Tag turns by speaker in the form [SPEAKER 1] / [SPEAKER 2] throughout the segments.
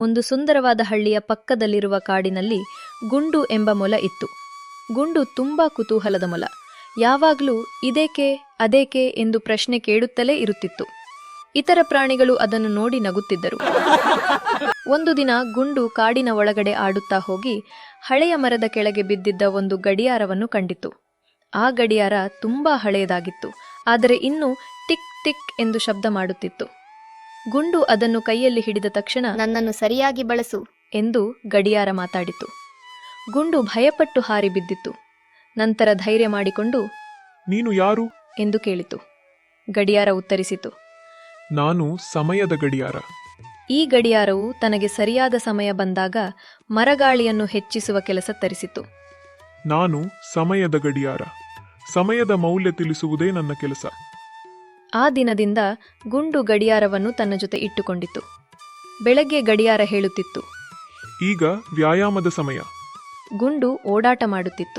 [SPEAKER 1] ಒಂದು ಸುಂದರವಾದ ಹಳ್ಳಿಯ ಪಕ್ಕದಲ್ಲಿರುವ ಕಾಡಿನಲ್ಲಿ ಗುಂಡು ಎಂಬ ಮೊಲ ಇತ್ತು. ಗುಂಡು ತುಂಬಾ ಕುತೂಹಲದ ಮೊಲ. ಯಾವಾಗಲೂ ಇದೇಕೆ ಅದೇಕೆ ಎಂದು ಪ್ರಶ್ನೆ ಕೇಳುತ್ತಲೇ ಇರುತ್ತಿತ್ತು. ಇತರ ಪ್ರಾಣಿಗಳು ಅದನ್ನು ನೋಡಿ ನಗುತ್ತಿದ್ದರು. ಒಂದು ದಿನ ಗುಂಡು ಕಾಡಿನ ಒಳಗಡೆ ಆಡುತ್ತಾ ಹೋಗಿ ಹಳೆಯ ಮರದ ಕೆಳಗೆ ಬಿದ್ದಿದ್ದ ಒಂದು ಗಡಿಯಾರವನ್ನು ಕಂಡಿತು. ಆ ಗಡಿಯಾರ ತುಂಬಾ ಹಳೆಯದಾಗಿತ್ತು, ಆದರೆ ಇನ್ನೂ ಟಿಕ್ ಟಿಕ್ ಎಂದು ಶಬ್ದ ಮಾಡುತ್ತಿತ್ತು. ಗುಂಡು ಅದನ್ನು ಕೈಯಲ್ಲಿ ಹಿಡಿದ ತಕ್ಷಣ,
[SPEAKER 2] ನನ್ನನ್ನು ಸರಿಯಾಗಿ ಬಳಸು
[SPEAKER 1] ಎಂದು ಗಡಿಯಾರ ಮಾತಾಡಿತು. ಗುಂಡು ಭಯಪಟ್ಟು ಹಾರಿ ಬಿದ್ದಿತ್ತು. ನಂತರ ಧೈರ್ಯ ಮಾಡಿಕೊಂಡು,
[SPEAKER 3] ನೀನು ಯಾರು
[SPEAKER 1] ಎಂದು ಕೇಳಿತು. ಗಡಿಯಾರ ಉತ್ತರಿಸಿತು,
[SPEAKER 3] ನಾನು ಸಮಯದ ಗಡಿಯಾರ.
[SPEAKER 1] ಈ ಗಡಿಯಾರವು ತನಗೆ ಸರಿಯಾದ ಸಮಯ ಬಂದಾಗ ಮರಗಾಳಿಯನ್ನು ಹೆಚ್ಚಿಸುವ ಕೆಲಸ ತರಿಸಿತು.
[SPEAKER 3] ನಾನು ಸಮಯದ ಗಡಿಯಾರ. ಸಮಯದ ಮೌಲ್ಯ ತಿಳಿಸುವುದೇ ನನ್ನ ಕೆಲಸ.
[SPEAKER 1] ಆ ದಿನದಿಂದ ಗುಂಡು ಗಡಿಯಾರವನ್ನು ತನ್ನ ಜೊತೆ ಇಟ್ಟುಕೊಂಡಿತು. ಬೆಳಗ್ಗೆ ಗಡಿಯಾರ ಹೇಳುತ್ತಿತ್ತು,
[SPEAKER 3] ಈಗ ವ್ಯಾಯಾಮದ ಸಮಯ.
[SPEAKER 1] ಗುಂಡು ಓಡಾಟ ಮಾಡುತ್ತಿತ್ತು.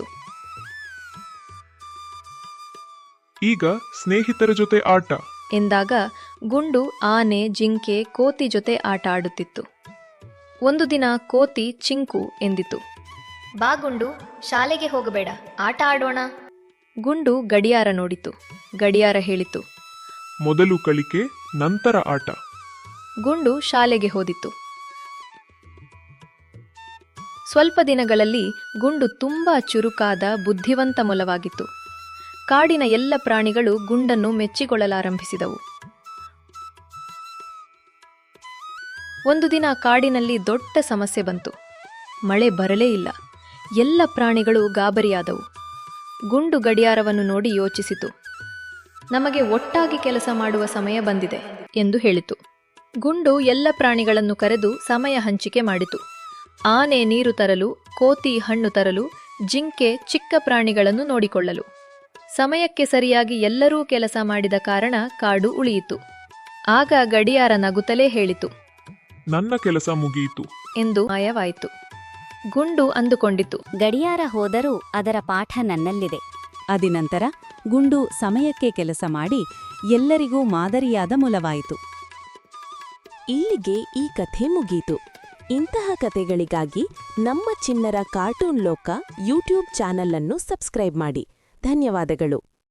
[SPEAKER 3] ಈಗ ಸ್ನೇಹಿತರ ಜೊತೆ ಆಟ
[SPEAKER 1] ಎಂದಾಗ ಗುಂಡು ಆನೆ, ಜಿಂಕೆ, ಕೋತಿ ಜೊತೆ ಆಟ ಆಡುತ್ತಿತ್ತು. ಒಂದು ದಿನ ಕೋತಿ ಚಿಂಕು ಎಂದಿತು,
[SPEAKER 2] ಬಾ ಗುಂಡು, ಶಾಲೆಗೆ ಹೋಗಬೇಡ, ಆಟ ಆಡೋಣ.
[SPEAKER 1] ಗುಂಡು ಗಡಿಯಾರ ನೋಡಿತು. ಗಡಿಯಾರ ಹೇಳಿತು,
[SPEAKER 3] ಮೊದಲು ಕಲಿಕೆ, ನಂತರ ಆಟ.
[SPEAKER 1] ಗುಂಡು ಶಾಲೆಗೆ ಹೋದಿತು. ಸ್ವಲ್ಪ ದಿನಗಳಲ್ಲಿ ಗುಂಡು ತುಂಬಾ ಚುರುಕಾದ, ಬುದ್ಧಿವಂತ ಮೊಲವಾಗಿತ್ತು. ಕಾಡಿನ ಎಲ್ಲ ಪ್ರಾಣಿಗಳು ಗುಂಡನ್ನು ಮೆಚ್ಚಿಕೊಳ್ಳಲಾರಂಭಿಸಿದವು. ಒಂದು ದಿನ ಕಾಡಿನಲ್ಲಿ ದೊಡ್ಡ ಸಮಸ್ಯೆ ಬಂತು. ಮಳೆ ಬರಲೇ ಇಲ್ಲ. ಎಲ್ಲ ಪ್ರಾಣಿಗಳು ಗಾಬರಿಯಾದವು. ಗುಂಡು ಗಡಿಯಾರವನ್ನು ನೋಡಿ ಯೋಚಿಸಿತು. ನಮಗೆ ಒಟ್ಟಾಗಿ ಕೆಲಸ ಮಾಡುವ ಸಮಯ ಬಂದಿದೆ ಎಂದು ಹೇಳಿತು. ಗುಂಡು ಎಲ್ಲ ಪ್ರಾಣಿಗಳನ್ನು ಕರೆದು ಸಮಯ ಹಂಚಿಕೆ ಮಾಡಿತು. ಆನೆ ನೀರು ತರಲು, ಕೋತಿ ಹಣ್ಣು ತರಲು, ಜಿಂಕೆ ಚಿಕ್ಕ ಪ್ರಾಣಿಗಳನ್ನು ನೋಡಿಕೊಳ್ಳಲು. ಸಮಯಕ್ಕೆ ಸರಿಯಾಗಿ ಎಲ್ಲರೂ ಕೆಲಸ ಮಾಡಿದ ಕಾರಣ ಕಾಡು ಉಳಿಯಿತು. ಆಗ ಗಡಿಯಾರ ನಗುತ್ತಲೇ ಹೇಳಿತು,
[SPEAKER 3] ನನ್ನ ಕೆಲಸ ಮುಗಿಯಿತು
[SPEAKER 1] ಎಂದು ಮಾಯವಾಯಿತು. ಗುಂಡು ಅಂದುಕೊಂಡಿತು,
[SPEAKER 4] ಗಡಿಯಾರ ಹೋದರೂ ಅದರ ಪಾಠ ನನ್ನಲ್ಲಿದೆ.
[SPEAKER 5] ಅದಿನಂತರ ಗುಂಡು ಸಮಯಕ್ಕೆ ಕೆಲಸ ಮಾಡಿ ಎಲ್ಲರಿಗೂ ಮಾದರಿಯಾದ ಮೊಲವಾಯಿತು.
[SPEAKER 6] ಇಲ್ಲಿಗೆ ಈ ಕಥೆ ಮುಗೀತು. ಇಂತಹ ಕಥೆಗಳಿಗಾಗಿ ನಮ್ಮ ಚಿಣ್ಣರ ಕಾರ್ಟೂನ್ ಲೋಕ ಯೂಟ್ಯೂಬ್ ಚಾನಲ್ ಅನ್ನು ಸಬ್ಸ್ಕ್ರೈಬ್ ಮಾಡಿ. ಧನ್ಯವಾದಗಳು.